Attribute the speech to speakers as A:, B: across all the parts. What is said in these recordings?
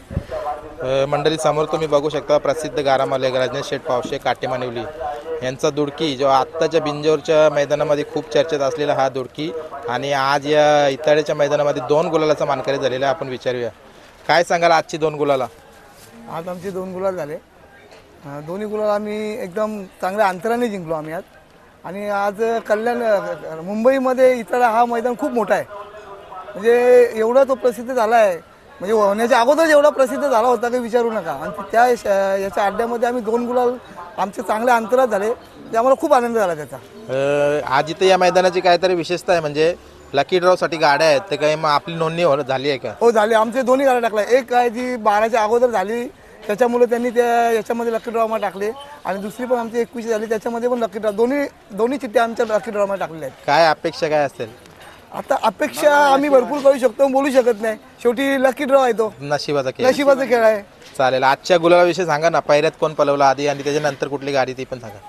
A: मंडळी समोर तुम्ही बघू शकता प्रसिद्ध गारा मालक राजनेश शेठ पावशे काटेमानिवली यांचा दुडकी जो आत्ताच्या बिंजोरच्या मैदानामध्ये खूप चर्चेत असलेला हा दुडकी आणि आज या इताड्याच्या मैदानामध्ये 2 गुलालाचा मानकरी झालेला आहे. आपण विचारूया काय सांगाल आजची 2 गुलाला.
B: आज आमचे 2 गुलाल झाले. दोन्ही गुलाल आम्ही एकदम चांगल्या अंतराने जिंकलो आम्ही आज. आणि आज कल्याण मुंबईमध्ये इताडा हा मैदान खूप मोठा आहे. म्हणजे एवढा तो प्रसिद्ध झाला आहे, म्हणजे होण्याच्या अगोदर एवढा प्रसिद्ध झाला होता काही विचारू नका. आणि त्या याच्या अड्ड्यामध्ये आम्ही 2 गुलाल आमचे चांगल्या अंतरात झाले, ते आम्हाला खूप आनंद झाला त्याचा.
A: आज इथे या मैदानाची काहीतरी विशेषता आहे म्हणजे लकी ड्रॉसाठी गाड्या आहेत, ते काही मग आपली नोंदणी झाली आहे का?
B: हो झाली. आमचे दोन्ही गाड्या टाकल्या. एक काय जी 12च्या अगोदर झाली त्याच्यामुळे त्यांनी त्या याच्यामध्ये लकी ड्रॉमा टाकले आणि दुसरी पण आमची 21 झाली त्याच्यामध्ये पण लकी ड्रॉ दोन्ही चिठ्ठ्या आमच्या लकी ड्रॉमा टाकलेल्या आहेत.
A: काय अपेक्षा काय असेल?
B: आता अपेक्षा आम्ही भरपूर करू शकतो, बोलू शकत नाही. शेवटी लकी ड्रॉ आहे, तो
A: नशिबाचा खेळ.
B: नशिबाचा खेळ आहे.
A: चालेल. आजच्या गुलालाविषयी सांगा ना, पायऱ्यात कोण पलवला आधी आणि त्याच्यानंतर कुठली गाडी ती पण सांगा.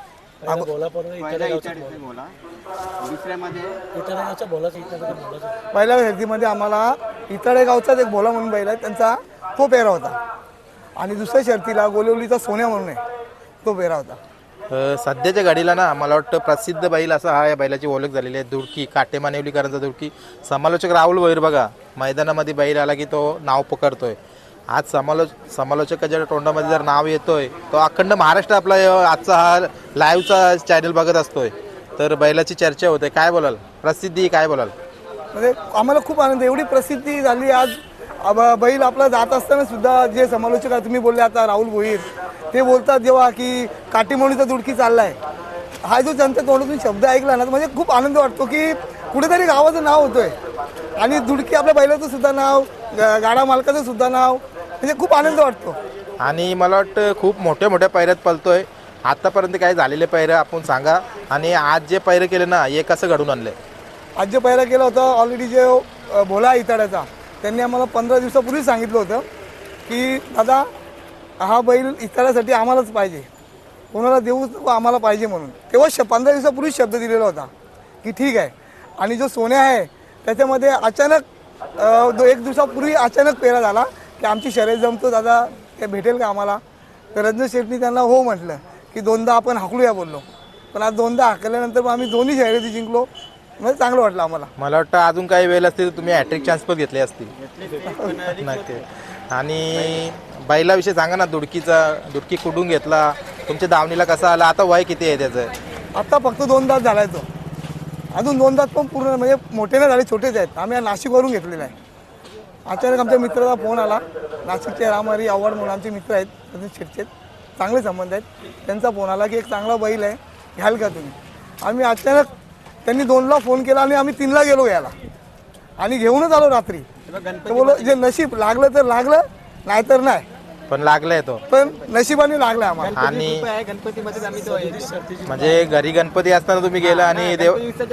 B: पहिल्या शर्यतीमध्ये आम्हाला इताडे गावचाच एक भोला म्हणून बैल आहे, त्यांचा तो पेहरा होता. आणि दुसऱ्या शर्तीला गोलिवलीचा सोन्या म्हणून आहे, तो पेहरा होता.
A: सध्याच्या गाडीला ना मला वाटतं प्रसिद्ध बैल असा हा या बैलाची ओळख झालेली आहे, दुडकी काटेमानिवलीकरांचा दुडकी. समालोचक राहुल वैर बघा मैदानामध्ये बैल आला की तो नाव पकडतोय. आज समालोचकाच्या तोंडामध्ये जर नाव येतोय तो अखंड महाराष्ट्र आपला आजचा हा लाईव्हचा चॅनल बघत असतोय, तर बैलाची चर्चा होते. काय बोलाल? प्रसिद्धी काय बोलाल?
B: म्हणजे आम्हाला खूप आनंद, एवढी प्रसिद्धी झाली आज. बैल आपला जात असताना सुद्धा जे समालोचक आहे, तुम्ही बोलले आता राहुल भोईर, ते बोलतात जेव्हा की काटेमानिवलीचा दुडकी चाललाय, हा जो त्यांच्या तोंडातून शब्द ऐकला ना, म्हणजे खूप आनंद वाटतो की कुठेतरी गावाचं नाव होतोय आणि दुडकी आपल्या बैलाचं सुद्धा नाव, गाडा मालकाचं सुद्धा नाव, म्हणजे खूप आनंद वाटतो.
A: आणि मला वाटतं खूप मोठ्या मोठ्या पायऱ्यात पळतोय. आतापर्यंत काय झालेले पायऱ्या आपण सांगा आणि आज जे पायरे केले ना हे कसं घडून आणलंय?
B: आज जे पहिला केला होता ऑलरेडी जे भोला इताड्याचा, त्यांनी आम्हाला 15 दिवसापूर्वी सांगितलं होतं की दादा हा बैल इताड्यासाठी आम्हालाच पाहिजे, कोणाला देऊच नको, आम्हाला पाहिजे म्हणून. तेव्हा 15 दिवसापूर्वी शब्द दिलेला होता की ठीक आहे. आणि जो सोन्या आहे त्याच्यामध्ये अचानक 1 दिवसापूर्वी अचानक पेरा झाला की आमची शर्यत जमतो दादा, ते भेटेल का आम्हाला? तर रजनीश शेट्टी त्यांना हो म्हटलं की 2दा आपण हाकलूया बोललो. पण आज 2दा हाकल्यानंतर मग आम्ही दोन्ही शर्यती जिंकलो, म्हणजे चांगलं वाटलं आम्हाला.
A: मला वाटतं अजून काही वेळ असतील तुम्ही हॅट्रिक चान्स पण घेतले असतील. नक्की. आणि बैलाविषयी सांगा ना, दुडकी कुठून घेतला, तुमच्या दावणीला कसा आला, आता वय किती आहे त्याचं?
B: आता फक्त 2 दात झालाय तो, अजून 2 दात पण पूर्ण म्हणजे मोठे नाही झाले, छोटेच आहेत. आम्ही नाशिकवरून घेतलेला आहे. अचानक आमच्या मित्राचा फोन आला, नाशिकचे रामहरी आव्हाड म्हणून आमचे मित्र आहेत, त्यांचे शिरचे चांगले संबंध आहेत. त्यांचा फोन आला की एक चांगला बैल आहे, घ्याल का तुम्ही? आम्ही अचानक त्यांनी 2ला फोन केला आणि आम्ही 3ला गेलो घ्यायला आणि घेऊनच आलो रात्री. तर बोलो जे नशीब लागलं तर लागलं, नाहीतर नाही,
A: पण लागलाय तो,
B: पण नशिबाने लागलं आम्हाला.
A: आणि म्हणजे घरी गणपती असताना तुम्ही गेला आणि देव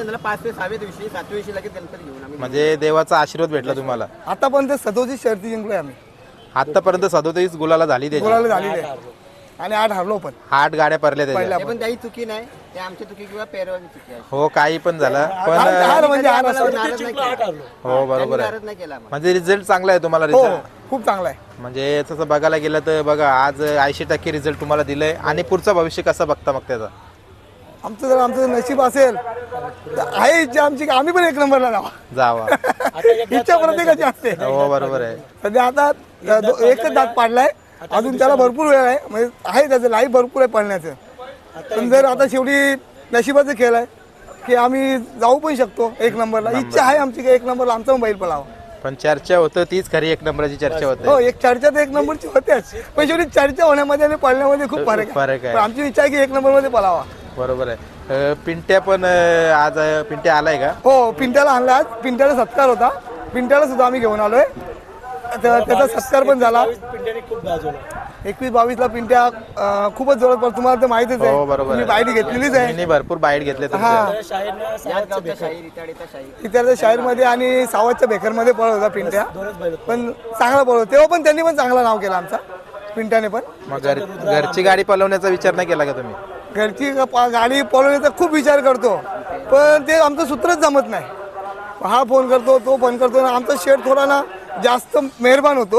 A: म्हणजे देवाचा आशीर्वाद भेटला तुम्हाला.
B: आतापर्यंत 37 शर्ती जिंकलोय आम्ही.
A: आतापर्यंत 37 गुलाला झाली त्याची,
B: बोलायला झालेली आहे आणि 8 हरलो पण.
A: 8 गाड्या पडल्या त्याच्या.
C: पण काही चुकी नाही, ते आमची चुकी किंवा पेरवाची चुकी आहे.
A: हो काही पण झालं पण
B: हार म्हणजे हार असतो.
A: हो बरोबर आहे.
C: नाही केला आम्हाला.
A: म्हणजे रिझल्ट चांगला आहे तुम्हाला.
B: हो
A: रिझल्ट
B: खूप चांगला आहे.
A: म्हणजे तसं बघायला गेलं तर बघा आज 80% रिझल्ट तुम्हाला दिलंय. आणि पुढचं भविष्य कसं बघता मग त्याचा?
B: आमचं जर आमचं नशीब असेल तर आहे इच्छा आमची की आम्ही पण 1 नंबरला
A: जावा.
B: इच्छा प्रत्येकाची असते.
A: हो बरोबर आहे.
B: सध्या आता 1च दात पाडलाय, अजून त्याला भरपूर वेळ आहे, म्हणजे आहे त्याचं लाईफ भरपूर आहे पळण्याचं. पण जर आता शेवटी नशिबाचा खेळ आहे की आम्ही जाऊ पण शकतो 1 नंबरला. इच्छा आहे आमची की 1 नंबरला आमचा बैल पळावा.
A: पण चर्चा होतं तीच खरी 1 नंबरची चर्चा होते.
B: हो एक चर्चा तर 1 नंबरची होतेच, पण शेवटी चर्चा होण्यामध्ये आणि पळण्यामध्ये खूप फरक
A: आहे.
B: पण आमची इच्छा आहे की 1 नंबरमध्ये पळावा.
A: बरोबर आहे. पिंट्या पण आज पिंट्या आलाय का?
B: हो पिंट्याला आणला. आज पिंट्याला सत्कार होता, पिंट्याला सुद्धा आम्ही घेऊन आलोय. त्याचा सत्कार पण झाला. 21-22 ला पिंट्या खूपच जोरात पडतो, तुम्हाला तर माहितीच आहे.
A: हो बरोबर आहे.
B: बाईट घेतलेलीच आहे.
A: मी भरपूर बाईट घेतले.
B: इतर शाहीरमध्ये आणि सावतच्या बेकरमध्ये पळत होता पिंट्या, पण चांगला पळतो. तेव्हा पण त्यांनी पण चांगला नाव केलं आमचा पिंट्याने पण.
A: मग घरची गाडी पळवण्याचा विचार नाही केला का तुम्ही?
B: घरची गाडी पळवण्याचा खूप विचार करतो, पण ते आमचं सूत्रच जमत नाही. हा फोन करतो, तो फोन करतो. आमचा शेठ थोडा ना जास्त मेहरबान होतो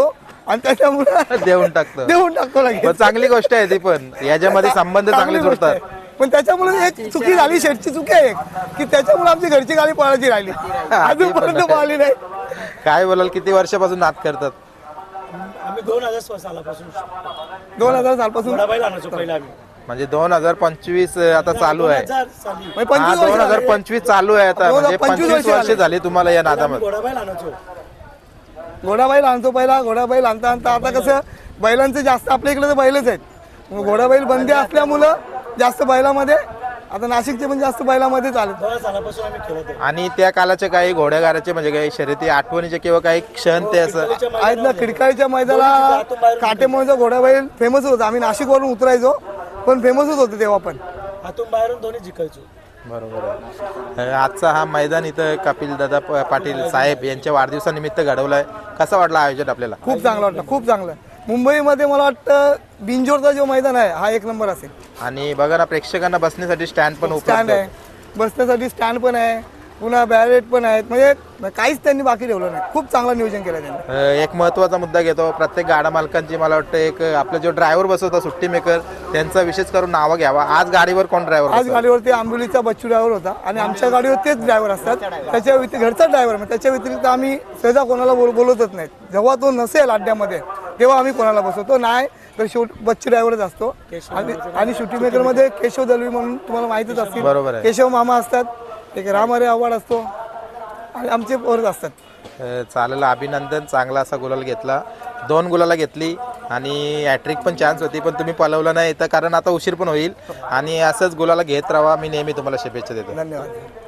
B: आणि त्याच्यामुळे
A: देऊन टाकतो.
B: देऊन टाकतो लगेच.
A: पण चांगली गोष्ट आहे ती, पण याच्यामध्ये संबंध चांगले
B: गोष्ट
A: जुळतात.
B: आहे. पण त्याच्यामुळे एक चुकी झाली, शेटची चुकी आहे एक, की त्याच्यामुळे आमची घरची गाडी पळायची राहिली, अजूनपर्यंत पळाली नाही.
A: काय बोलाल, किती वर्षापासून नाद करतात?
D: आम्ही 2000 सालापासून
B: 2000 सालपासून
D: घोडाबाईल आणायचो पहिला आम्ही.
A: म्हणजे 2025 आता चालू आहे.
D: 2000 साली
B: म्हणजे 25 वर्ष झाले.
A: 2025 चालू आहे आता, म्हणजे
B: 25
A: 25 वर्ष
B: झाले.
A: झाली तुम्हाला या
D: आम्ही
A: नादामध्ये.
D: घोडाबाईल आणायचो.
B: घोडाबाईल आणतो पहिला, घोडाबाईल आणता आणता आता कसं बैलांचं जास्त आपल्या इकडे तर बैलच आहेत, मग घोडाबाईल बंदी असल्यामुळं जास्त बैलामध्ये, आता नाशिकचे पण जास्त बैलामध्ये चालत.
D: 2000 सालापासून आम्ही खेळत आहे.
A: आणि त्या कालाचे काही घोड्यागाराचे म्हणजे काही शर्यती आठवणीचे किंवा काही क्षण ते असं
B: आहेत ना, खिडकाळीच्या मैदानाला काटेमुळेचा घोडाबाईल फेमस होता. आम्ही नाशिकवरून उतरायचो पण फेमसच होते तेव्हा पण.
D: हातून बाहेरून दोन्ही जिंकायचो.
A: बरोबर आहे. आजचा हा मैदान इथं कपिल दादा पाटील साहेब यांच्या वाढदिवसानिमित्त घडवलाय. कसा वाटला आयोजन आपल्याला?
B: खूप चांगलं वाटलं, खूप चांगलं. मुंबईमध्ये मला वाटतं बिंजोरचा जो मैदान आहे हा 1 नंबर असेल.
A: आणि बघा ना, प्रेक्षकांना बसण्यासाठी स्टँड पण
B: स्टँड
A: उपलब्ध
B: आहे, बसण्यासाठी स्टँड पण आहे, पुन्हा बॅरेट पण आहेत, म्हणजे काहीच त्यांनी बाकी ठेवलं नाही. खूप चांगलं नियोजन केलं त्यांनी.
A: एक महत्वाचा मुद्दा घेतो. प्रत्येक गाडा मालकांची मला वाटतं एक आपला जो ड्रायव्हर बसवता सुट्टी मेकर त्यांचा विशेष करून नावं घ्यावा. आज गाडीवर कोण ड्रायव्हर?
B: आज गाडीवरती आंबोलीचा बच्चू ड्रायव्हर होता आणि आमच्या गाडीवर तेच ड्रायव्हर असतात. त्याच्या घरचा ड्रायव्हर, त्याच्या व्यतिरिक्त आम्ही सहजा कोणाला बोलवतच नाहीत. जेव्हा तो नसेल अड्ड्यामध्ये तेव्हा आम्ही कोणाला बसवतो, नाही तर बच्चू ड्रायव्हरच असतो. आणि शूटिंग मेकरमध्ये केशव दलवी म्हणून तुम्हाला माहितीच असतील.
A: बरोबर आहे.
B: केशव मामा असतात, एक रामहरे आव्हाड असतो आणि आमचे पोरच असतात.
A: चालेल, अभिनंदन. चांगला असा गुलाल घेतला, 2 गुलाला घेतली आणि हॅट्रिक पण चान्स होती, पण तुम्ही पलवलं नाही तर कारण आता उशीर पण होईल. आणि असंच गुलाला घेत राहा. मी नेहमी तुम्हाला शुभेच्छा देतो.
B: धन्यवाद.